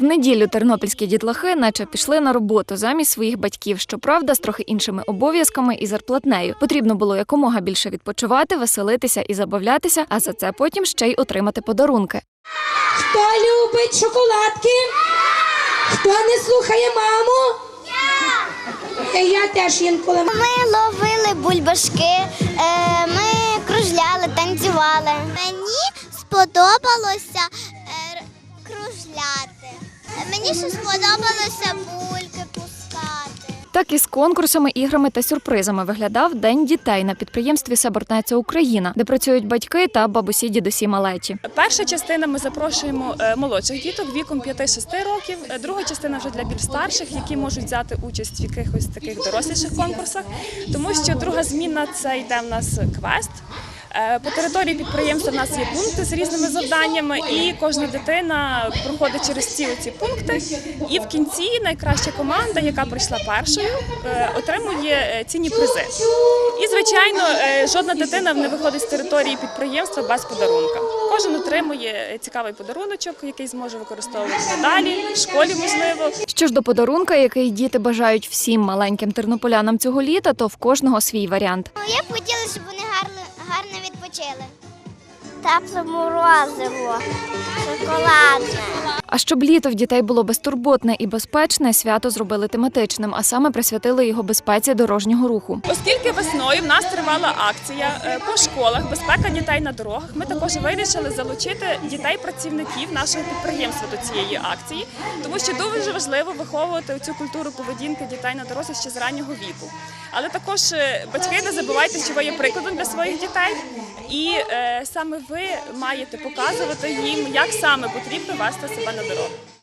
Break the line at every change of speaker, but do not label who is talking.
В неділю тернопільські дітлахи наче пішли на роботу замість своїх батьків, щоправда, з трохи іншими обов'язками і зарплатнею. Потрібно було якомога більше відпочивати, веселитися і забавлятися, а за це потім ще й отримати подарунки.
Хто любить шоколадки? Хто не слухає маму? Я теж інколи.
Ми ловили бульбашки, ми кружляли, танцювали. Мені сподобалося кружляти. Мені ще сподобалося бульки пускати.
Так і з конкурсами, іграми та сюрпризами виглядав День дітей на підприємстві «Сабортнеця Україна», де працюють батьки та бабусі-дідусі малечі.
Перша частина ми запрошуємо молодших діток віком 5-6 років, друга частина вже для більш старших, які можуть взяти участь в якихось таких доросліших конкурсах, тому що друга зміна – це йде в нас квест. По території підприємства в нас є пункти з різними завданнями, і кожна дитина проходить через ці пункти. І в кінці найкраща команда, яка прийшла першою, отримує цінні призи. І, звичайно, жодна дитина не виходить з території підприємства без подарунка. Кожен отримує цікавий подаруночок, який зможе використовувати надалі, в школі можливо.
Що ж до подарунка, який діти бажають всім маленьким тернополянам цього літа, то в кожного свій варіант.
Я б хотіла, щоб вони гарно відпочили. Тепле морозиво, шоколадне.
А щоб літо в дітей було безтурботне і безпечне, свято зробили тематичним, а саме присвятили його безпеці дорожнього руху.
Оскільки весною в нас тривала акція по школах «Безпека дітей на дорогах», ми також вирішили залучити дітей-працівників нашого підприємства до цієї акції, тому що дуже важливо виховувати цю культуру поведінки дітей на дорозі ще з раннього віку. Але також батьки, не забувайте, що ви є прикладом для своїх дітей, і саме ви маєте показувати їм, як саме потрібно вести себе на дорогу.